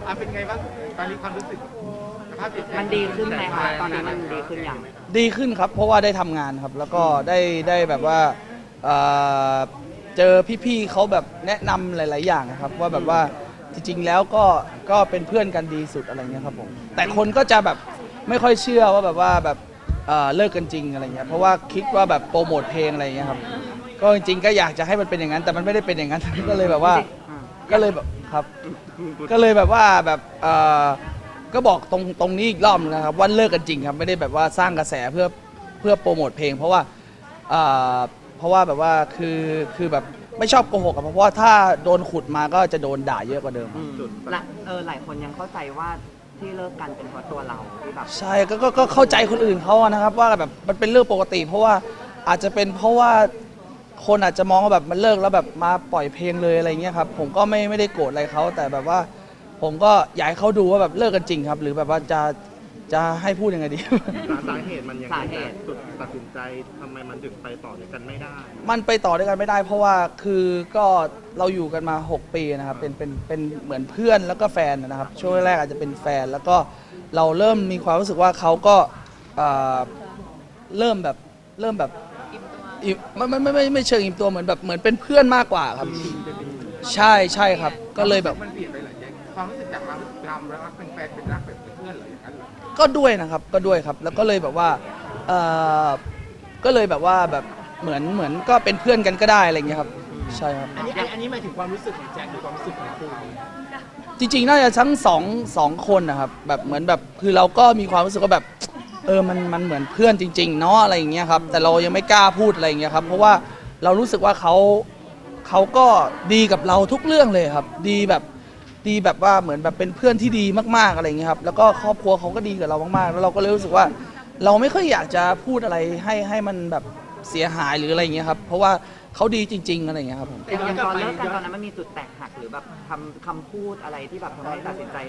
เป็นไงบ้างตอนนี้ความรู้สึกสภาพจิตใจมันดีขึ้นไหมคะตอนนี้มันดีขึ้นอย่างดีขึ้นครับเพราะว่าได้ทำงานครับแล้วก็ได้แบบว่าเอ่อเจอพี่ๆเขาแบบแนะนำหลายๆอย่างนะครับว่าแบบว่าจริงๆแล้วก็เป็นเพื่อนกันดีสุดอะไรเงี้ยครับผมแต่คนก็จะแบบไม่ค่อยเชื่อว่าแบบว่าแบบเลิกกันจริงอะไรเงี้ยเพราะว่าคิดว่าแบบโปรโมทเพลงอะไรเงี้ยครับก็จริงๆก็อยากจะให้มันเป็นอย่างนั้นแต่มันไม่ได้เป็นอย่างนั้น ก็เลยแบบว่าก็เลยแบบครับก็เลยแบบว่าแบบก็บอกตรงนี้อีกรอบนึงนะครับว่าเลิกกันจริงครับไม่ได้แบบว่าสร้างกระแสเพื่อโปรโมทเพลงเพราะว่าแบบว่าคือแบบไม่ชอบโกหกอะเพราะว่าถ้าโดนขุดมาก็จะโดนด่าเยอะกว่าเดิมและหลายคนยังเข้าใจว่าที่เลิกกันเป็นเพราะตัวเราที่แบบใช่ก็เข้าใจคนอื่นเขาอะนะครับว่าแบบมันเป็นเรื่องปกติ เพราะว่าอาจจะเป็นเพราะว่าคนอาจจะมองว่าแบบมันเลิกแล้วแบบมาปล่อยเพลงเลยอะไรเงี้ยครับผมก็ไม่ได้โกรธอะไรเขาแต่แบบว่าผมก็อยากให้เขาดูว่าแบบเลิกกันจริงครับหรือแบบว่าจะให้พูดยังไงดีสาเหตุมันยังไงจุดตัดสินใจทำไมมันถึงไปต่อด้วยกันไม่ได้มันไปต่อด้วยกันไม่ได้เพราะว่าคือก็เราอยู่กันมา 6 ปีนะครับเป็นเหมือนเพื่อนแล้วก็แฟนนะครับช่วงแรกอาจจะเป็นแฟนแล้วก็เราเริ่มมีความรู้สึกว่าเขาก็เริ่มแบบไม่เชิงอิ่มตัวเหมือนแบบเหมือนเป็นเพื่อนมากกว่าครับใช่ครับก็เลยแบบมันเปลี่ยนไปหลายอย่างความรู้สึกจากเรารักเป็นแฟนเป็นรักแบบเป็นเพื่อนเหรออย่างนั้นเหรอก็ด้วยนะครับก็ด้วยครับแล้วก็เลยแบบว่าก็เลยแบบว่าแบบเหมือนก็เป็นเพื่อนกันก็ได้อะไรอย่างเงี้ยครับใช่ครับอันนี้หมายถึงความรู้สึกของแจ็คหรือความรู้สึกของคุณจริงๆน่าจะทั้งสองคนนะครับแบบเหมือนแบบคือเราก็มีความรู้สึกว่าแบบมันเหมือนเพื่อนจริงๆเนาะอะไรอย่างเงี้ยครับแต่เรายังไม่กล้าพูดอะไรอย่างเงี้ยครับเพราะว่าเรารู้สึกว่าเขาก็ดีกับเราทุกเรื่องเลยครับดีแบบว่าเหมือนแบบเป็นเพื่อนที่ดีมากๆอะไรอย่างเงี้ยครับแล้วก็ครอบครัวเขาก็ดีกับเรามากๆแล้วเราก็เลยรู้สึกว่าเราไม่ค่อยอยากจะพูดอะไรให้มันแบบเสียหายหรืออะไรอย่างเงี้ยครับเพราะว่าเขาดีจริงๆอะไรอย่างเงี้ยครับผมอย่างตอนเลิกกันตอนนั้นมันมีจุดแตกหักหรือแบบคำพูดอะไรที่แบบทำให้ตัดสินใจ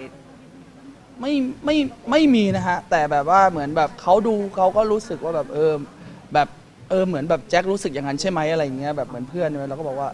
ไม่มีนะฮะแต่แบบว่าเหมือนแบบเขาดูเขาก็รู้สึกว่าแบบแบบเหมือนแบบแจ็ครู้สึกอย่างนั้นใช่ไหมอะไรอย่างเงี้ยแบบเหมือนเพื่อนเราก็บอกว่า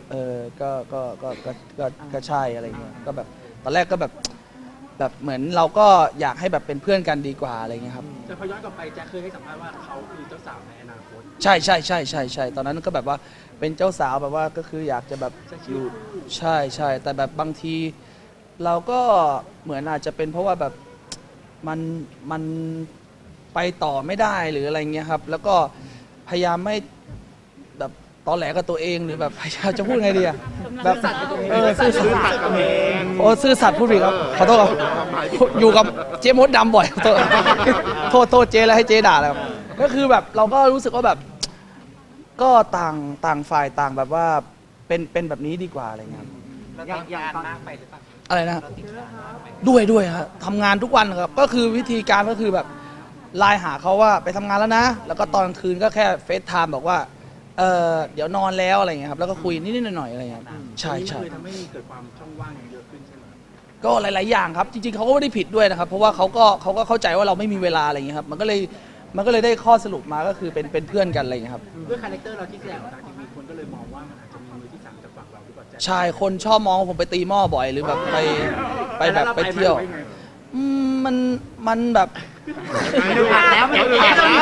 ก็ใช่อะไรอย่างเงี้ยก็แบบตอนแรกก็แบบเหมือนเราก็อยากให้แบบเป็นเพื่อนกันดีกว่าอะไรอย่างเงี้ยครับแต่พอย้อนกลับไปแจ็คเคยให้สัมภาษณ์ว่าเขาคือเจ้าสาวในอนาคตใช่ตอนนั้นก็แบบว่าเป็นเจ้าสาวแบบว่าก็คืออยากจะแบบอยู่ใช่แต่แบบบางทีเราก็เหมือนอาจจะเป็นเพราะว่าแบบมันไปต่อไม่ได้หรืออะไรเงี้ยครับแล้วก็พยายามไม่แบบตอแหลกับตัวเองหรือแบบพยายามจะพูดไงดีอะแบบซื่อสัตย์กับเองโอ้ซื่อสัตย์พูดผิดครับขอโทษครับอยู่กับเจ๊มดดำบ่อยขอโทษเจ๊แล้วให้เจ๊ด่าแล้วครับก็คือแบบเราก็รู้สึกว่าแบบก็ต่างฝ่ายต่างแบบว่าเป็นแบบนี้ดีกว่าอะไรเงี้ยครับอย่างตอนอะไรนะด้วยฮะทำงานทุกวันครับก็คือวิธีการก็คือแบบไลน์หาเขาว่าไปทำงานแล้วนะแล้วก็ตอนกลางคืนก็แค่เฟซไทม์บอกว่าเดี๋ยวนอนแล้วอะไรเงี้ยครับแล้วก็คุยนิดๆหน่อยๆอะไรเงี้ยใช่คือทำให้เกิดความช่องว่างเยอะขึ้นใช่ไหมก็หลายๆอย่างครับจริงๆเขาก็ไม่ได้ผิดด้วยนะครับเพราะว่าเขาก็เข้าใจว่าเราไม่มีเวลาอะไรเงี้ยครับมันก็เลยได้ข้อสรุปมาก็คือเป็นเพื่อนกันอะไรเงี้ยครับด้วยคาแรคเตอร์เราที่แสดงออกทางทีวีคนก็เลยมองว่ามันอาจจะมีมือที่สามจากฝั่งเราหรือเปล่าแจ็คใช่คนชอบมองว่าผมไปตีหม้อบ่อยหรือแบบไปแบบไปเที่ยวมันแบบอ่านแล้วไม่ได้อ่านแล้ว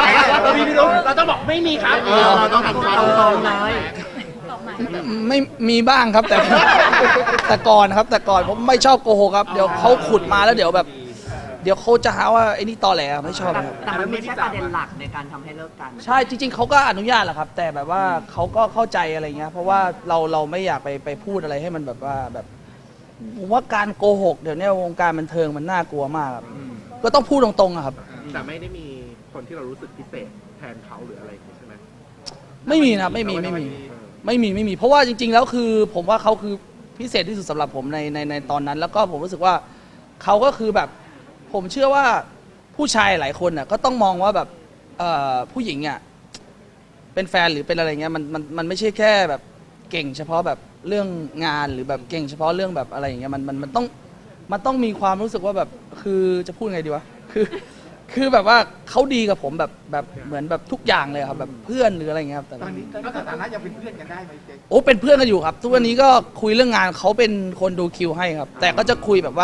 เราต้องบอกไม่มีครับเราต้องทำความตรงๆเลยไม่มีบ้างครับแต่ แต่ก่อนครับแต่ก่อนผมไม่ชอบโกหกครับเดี๋ยวเขาขุดมาแล้วเดี๋ยวแบบเดี๋ยวเขาจะหาว่าไอ้นี่ตอแหลไม่ชอบครับแต่มันไม่ใช่ประเด็นหลักในการทำให้เลิกกันใช่จริงๆเขาก็อนุญาตแหละครับ แต่แบบว่าเขาก็เข้าใจอะไรเงี้ยเพราะว่าเราไม่อยากไปพูดอะไรให้มันแบบว่าแบบผมว่าการโกหกเดี๋ยวนี้วงการบันเทิงมันน่ากลัวมากครับก็ต้องพูดตรงๆอะครับแต่ไม่ได้มีคนที่เรารู้สึกพิเศษแทนเขาหรืออะไรอย่างงี้ใช่ไหมไม่มีนะครับไม่มีเพราะว่าจริงๆแล้วคือผมว่าเขาคือพิเศษที่สุดสำหรับผมในตอนนั้น แล้วก็ผมรู้สึกว่าเขาก็คือแบบผมเชื่อว่าผู้ชายหลายคนน่ะก็ต้องมองว่าแบบผู้หญิงอ่ะเป็นแฟนหรือเป็นอะไรเงี้ยมันไม่ใช่แค่แบบเก่งเฉพาะแบบเรื่องงานหรือแบบเก่งเฉพาะเรื่องแบบอะไรอย่างเงี้ยมันต้องมีความรู้สึกว่าแบบคือจะพูดไงดีวะคือแบบว่าเขาดีกับผมแบบเหมือนแบบทุกอย่างเลยครับแบบเพื่อนหรืออะไรเงี้ยครับแต่ตอนนี้ก็สถานะยังเป็นเพื่อนกันได้ไหมเจ๊โอ้เป็นเพื่อนกันอยู่ครับทุกวันนี้ก็คุยเรื่องงานเขาเป็นคนดูคิวให้ครับแต่ก็จะคุยแบบว่า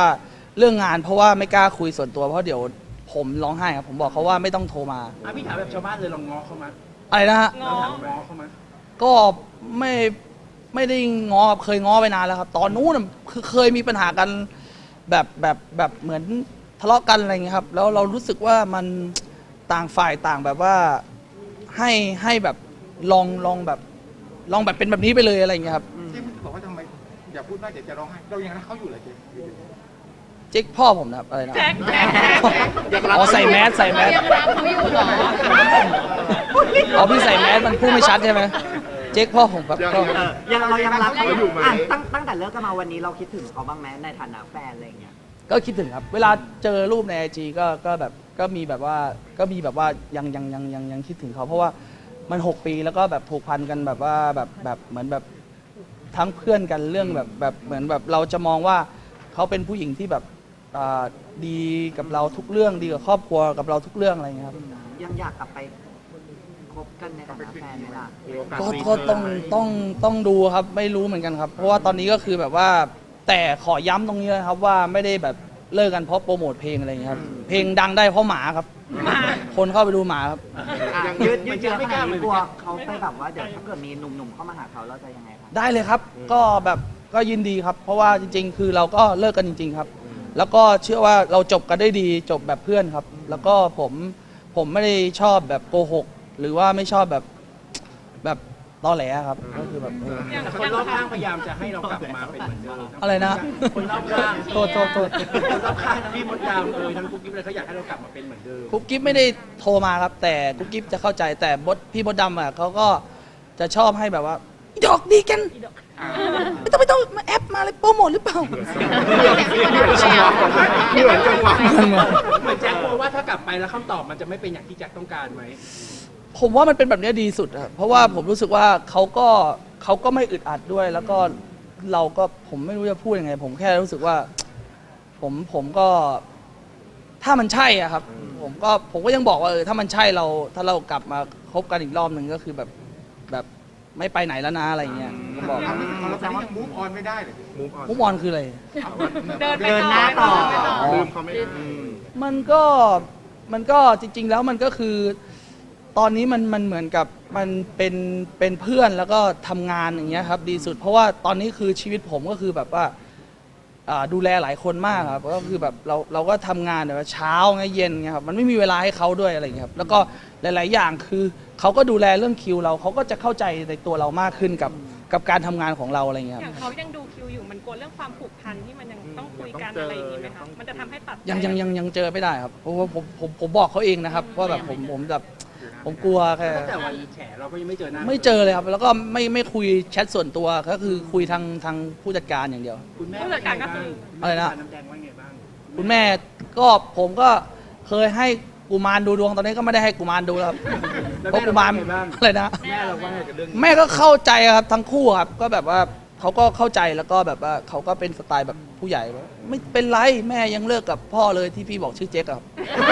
เรื่องงานเพราะว่าไม่กล้าคุยส่วนตัวเพราะเดี๋ยวผมร้องไห้ครับผมบอกเขาว่าไม่ต้องโทรมาพี่ถามแบบชาวบ้านเลยลองง้อเขามาอะไรนะฮะเราถามง้อเขามาก็ไม่ได้ง้อครับเคยง้อไปนานแล้วครับ ตอนนู้นน่ะคือเคยมีปัญหากันแบบเหมือนทะเลาะกันอะไรเงี้ยครับแล้วเรารู้สึกว่ามันต่างฝ่ายต่างแบบว่าให้แบบลองแบบเป็นแบบนี้ไปเลยอะไรเงี้ยครับเจ๊บอกว่าทำไมอย่าพูดว่าเดี๋ยวจะร้องไห้เรายังรักเขาอยู่เลยเจ๊เจ๊กพ่อผมนะครับอะไรนะแจ็คอ๋อใส่แมสยังรักเขาอยู่เหรออ๋อพี่ใส่แมสมันพูดไม่ชัดใช่ไหมเจ๊กพ่อผมแบบก็ยังเรายังรักเขาเขาอยู่ไหมตั้งแต่เลิกกันมาวันนี้เราคิดถึงเขาบ้างไหมในฐานะแฟนอะไรอย่างเงี้ยก็คิดถึงครับ เวลาเจอรูปในไอจีก็แบบก็มีแบบว่ายังคิดถึงเขาเพราะว่ามัน 6 ปีแล้วก็แบบผูกพันกันแบบว่าแบบเหมือนแบบทั้งเพื่อนกันเรื่องแบบเหมือนแบบเราจะมองว่าเขาเป็นผู้หญิงที่แบบดีกับเราทุกเรื่องดีกับครอบครัวกับเราทุกเรื่องอะไรอย่างเงี้ยครับยังอยากกลับไปคบกันในฐานะแฟนไหมล่ะมีโอกาสก็รีก็เทิร์นต้องดูครับไม่รู้เหมือนกันครับ เพราะว่าตอนนี้ก็คือแบบว่าแต่ขอย้ำตรงนี้นะครับว่าไม่ได้แบบเลิกกันเพราะโปรโมทเพลงอะไรอย่างเงี้ยครับเพลงดังได้เพราะหมาครับ คนเข้าไปดูหมาครับยืดเยื้อขนาดนี้กลัวเขาไปแบบว่าเดี๋ยวถ้าเกิดมีหนุ่มๆเข้ามาหาเขาเราจะยังไงครับได้เลยครับ ก็แบบก็ยินดีครับ เพราะว่าจริง ๆ คือเราก็เลิกกันจริง ๆ ครับ แล้วก็เชื่อว่าเราจบกันได้ดีจบแบบเพื่อนครับ แล้วก็ผมไม่ได้ชอบแบบโกหก หรือว่าไม่ชอบแบบตอแหลครับ ก็คือแบบแต่คนรอบข้างพยายามจะให้เรากลับมาเป็นเหมือนเดิมอะไรนะคนรอบข้างโทษคนรอบข้างทั้งพี่มดดำทั้งกุ๊กกิ๊บเลยเขาอยากให้เรากลับมาเป็นเหมือนเดิมกุ๊บกิ๊บไม่ได้โทรมาครับ แต่กุ๊บกิ๊บจะเข้าใจแต่พี่มดดำอ่ะเขาก็จะชอบให้แบบว่าอีดอกดีกันไม่ต้องมาแอปมาอะไรโปรโมทหรือเปล่าเหมือนจังหวะเหมือนแจ็คกลัวว่าถ้ากลับไปแล้วคำตอบมันจะไม่เป็นอย่างที่แจ็คต้องการไหมผมว่ามันเป็นแบบนี้ดีสุดครับเพราะว่าผมรู้สึกว่าเขาก็ไม่อึดอัดด้วย แล้วก็เราก็ผมไม่รู้จะพูดยังไง ผมแค่รู้สึกว่า ผมก็ถ้ามันใช่อะครับ ผมก็ยังบอกว่าถ้ามันใช่ถ้าเรากลับมาคบกันอีกรอบหนึ่งก็คือแบบไม่ไปไหนแล้วนะอะไรเงี้ยก็บอกเราตอนนี้ยังมูฟออนไม่ได้เลยมูฟออนมุกมอนคืออะไรเดินไปเดินหน้าต่อลืมเขาไม่ได้มันก็จริง ๆ แล้วมันก็คือตอนนี้มันเหมือนกับมันเป็นเพื่อนแล้วก็ทำงานอย่างเงี้ยครับดีสุด เพราะว่าตอนนี้คือชีวิตผมก็คือแบบว่าดูแลหลายคนมากครับก็คือแบบเราก็ทำงานแบบเช้าไงเย็นไงครับมันไม่มีเวลาให้เขาด้วยอะไรอย่างเงี้ยครับแล้วก็หลาย ๆ อย่างคือเขาก็ดูแลเรื่องคิวเราเขาก็จะเข้าใจในตัวเรามากขึ้นกับการทำงานของเราอะไรอย่างเงี้ยอคย่ารับงเขายังดูคิวอยู่มันกลัวเรื่องความผูกพันที่มันยังต้องคุยกันอะไรอย่างนี้ไหมคะมันจะทำให้ตัดใจยังเจอไม่ได้ครับเพราะว่าผมบอกเขาเองนะครับว่าแบบผมกลัวแค่ตั้งแต่วันแฉเราก็ยังไม่เจอหน้าไม่เจอเลยครับ แล้วก็ไม่คุยแชทส่วนตัวก็คือคุยทางผู้จัดการอย่างเดียวคุณแม่ว่าไงบ้างอะไรนะน้ำแดงว่าไงบ้างคุณแม่ก็ผมก็เคยให้กุมารดูดวงตอนนี้ก็ไม่ได้ให้กุมารดูแล้วครับแล้วเพราะกุมารแม่เราว่าไงบ้างอะไรนะแม่เราว่าไงกับเรื่องนี้แม่ก็เข้าใจครับทั้งคู่ครับก็แบบว่าเขาก็เข้าใจแล้วก็แบบว่าเขาก็เป็นสไตล์แบบผู้ใหญ่ว่าไม่เป็นไรแม่ยังเลิกกับพ่อเลยที่พี่บอกชื่อเจ๊กอะครับ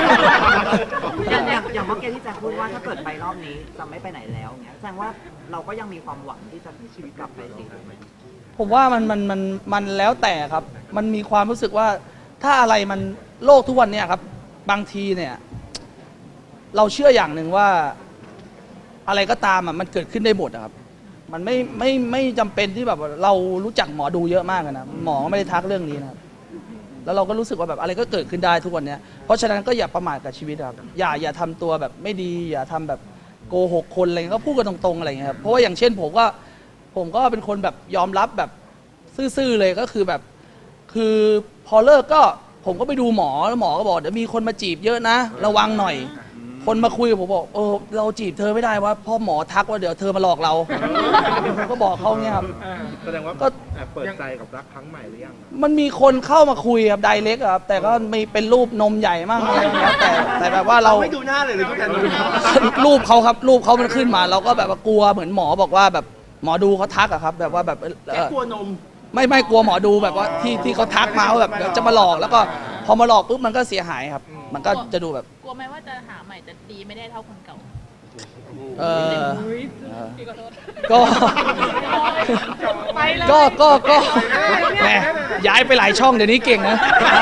อย่างเมื่อกี้ที่แจ็คพูดว่าถ้าเกิดไปรอบนี้จะไม่ไปไหนแล้วเงี้ยแสดงว่าเราก็ยังมีความหวังที่จะมีชีวิตกลับไปสิผมว่ามันแล้วแต่ครับ มันมีความรู้สึกว่าถ้าอะไรมันโลกทุกวันเนี่ยครับ บางทีเนี่ย เราเชื่ออย่างหนึ่งว่าอะไรก็ตามอ่ะมันเกิดขึ้นได้หมดอะครับ มันไม่จำเป็นที่แบบว่าเรารู้จักหมอดูเยอะมากนะหมอก็ไม่ได้ทักเรื่องนี้นะครับ แล้วเราก็รู้สึกว่าแบบอะไรก็เกิดขึ้นได้ทุกวันเนี้ยเพราะฉะนั้นก็อย่าประมาทกับชีวิตครับอย่าทำตัวแบบไม่ดี อย่าทำแบบโกหกคนอะไรเงี้ยก็พูดกันตรงๆอะไรเงี้ยครับเพราะว่าอย่างเช่นผมก็เป็นคนแบบยอมรับแบบซื่อๆเลยก็คือแบบ คือพอเลิกก็ผมก็ไปดูหมอแล้วหมอก็บอกเดี๋ยวมีคนมาจีบเยอะนะ ระวังหน่อย คนมาคุยกับผมบอกเราจีบเธอไม่ได้ว่าพ่อหมอทักว่าเดี๋ยวเธอมาหลอกเราผมก็บอกเขาเนี่ยครับแสดงว่าก็แอบเปิดใจกับรักครั้งใหม่หรือยังมันมีคนเข้ามาคุยครับไดเรกครับ แต่ก็มีเป็นรูปนมใหญ่มากอะไรอย่างเงี้ยแต่แบบว่าเราไม่ดูหน้าเลยทุกท่านรูปเขาครับรูปเขามันขึ้นมา เราก็แบบว่ากลัวเหมือนหมอบอกว่าแบบหมอดูเขาทักอะครับ แบบว่าแบบแจ็คกลัวนมไม่กลัวหมอดูแบบว่าที่เขาทักมาว่าแบบเดี๋ยวจะมาหลอกแล้วก็พอมาหลอกปุ๊บมันก็เสียหายครับ มันก็จะดูแบบกลัวไหมว่าจะหาใหม่จะดีไม่ได้เท่าคนเก่าเออก็ไปเลยก็แหมย้ายไปหลายช่องเดี๋ยวนี้เก่งนะ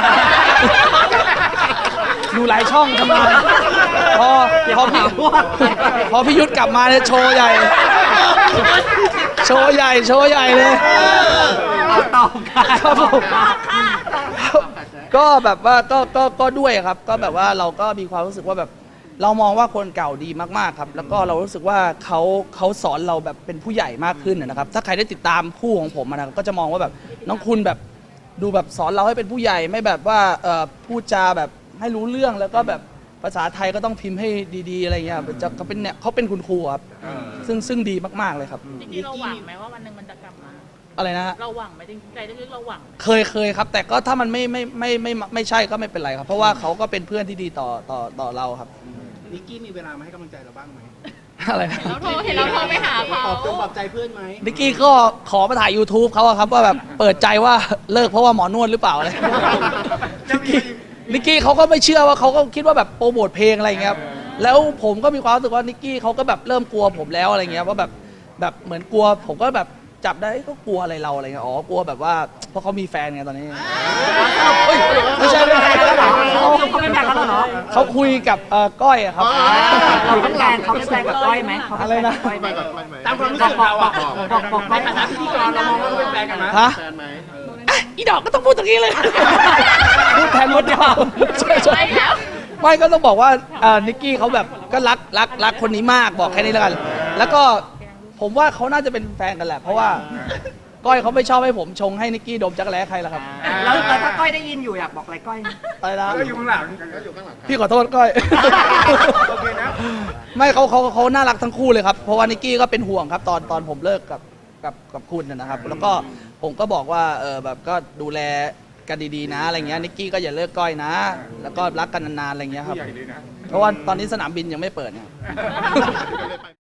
ดูหลายช่องทำงานพอพอพี่ยุทธกลับมาเนี่ยโชว์ใหญ่ โชว์ใหญ่เลยเอาต่อกันครับผมก็แบบว่าก็ด้วยครับ ก็แบบว่าเราก็มีความรู้สึกว่าแบบเรามองว่าคนเก่าดีมากๆครับ แล้วก็เรารู้สึกว่าเขาสอนเราแบบเป็นผู้ใหญ่มากขึ้นนะครับ ถ้าใครได้ติดตามคู่ของผมนะครับก็จะมองว่าแบบน้องคุณแบบดูแบบสอนเราให้เป็นผู้ใหญ่ไม่แบบว่าพูดจาแบบให้รู้เรื่องแล้วก็แบบภาษาไทยก็ต้องพิมพ์ให้ดีๆอะไรเงี้ยเขาเป็นเนี่ยเขาเป็นคุณครูครับซึ่งดีมากๆเลยครับจริงๆเราหวังไหมว่าวันหนึ่งมันจะกลับมาอะไรนะฮะเราหวังไหมจริงๆใจลึกๆเราหวังไหมเคยครับ แต่ก็ถ้ามันไม่ใช่ก็ไม่เป็นไรครับ เพราะว่าเขาก็เป็นเพื่อนที่ดีต่อเราครับนิกกี้มีเวลามาให้กำลังใจเราบ้างไหมอะไรนะเห็นเราโทรไปหาเขาปลอบใจเพื่อนไหมนิกกี้ก็ขอมาถ่าย YouTube เขาอะครับว่าแบบเปิดใจว่าเลิกเพราะว่าหมอนวดหรือเปล่าอะไรนิกกี้เขาก็ไม่เชื่อว่าเขาก็คิดว่าแบบโปรโมทเพลงอะไรอย่างเงี้ยครับแล้วผมก็มีความรู้สึกว่านิกกี้เขาก็แบบเริ่มกลัวผมแล้วอะไรเงี้ยว่าแบบเหมือนกลัวผมก็แบบจับได้ก็กลัวอะไรเราอะไรเงี้ยอ๋อกลัวแบบว่าเพราะเขามีแฟนไงตอนนี้เฮ้ยไม่ใช่เขาเป็นแฟนกันแล้วเหรอเขาคุยกับก้อยอะครับเราเป็นแฟนเขาเป็นแฟนกับก้อยไหมเขาเป็นแฟนกับก้อยไหมไปกับไปไหมตามความรู้สึกเราอะบอกในฐานะพิธีกรเรามองว่าเขาเป็นแฟนกันไหมฮะแฟนไหมอีดอกก็ต้องพูดอย่างนี้เลย พูดแทนมดดำใช่ไปแล้วไม่ก็ต้องบอกว่านิกกี้เขาแบบก็รักคนนี้มากบอกแค่นี้แล้วกัน แล้วก็ผมว่าเขาน่าจะเป็นแฟนกันแหละ เพราะว่าก้อยเขาไม่ชอบให้ผมชงให้นิกกี้ดมจักรแร้ใครล่ะครับแล้วถ้าก้อยได้ยินอยู่อยากบอกอะไรก้อยอะไรนะก็อยู่ข้างหลังก็อยู่ข้างหลังพี่ขอโทษก้อยโอเคนะไม่เขาน่ารักทั้งคู่เลยครับ เพราะว่านิกกี้ก็เป็นห่วงครับตอนผมเลิกกับคุณนะครับ แล้วก็ผมก็บอกว่าแบบก็ดูแลกันดีๆนะอะไรเงี้ยนิกกี้ก็อย่าเลิกก้อยนะ แล้วก็รักกันนานๆอะไรเงี้ยครับผู้ใหญ่เลยนะเพราะว่าตอนนี้สนามบินยังไม่เปิดเนี่ยไม่ได้ไป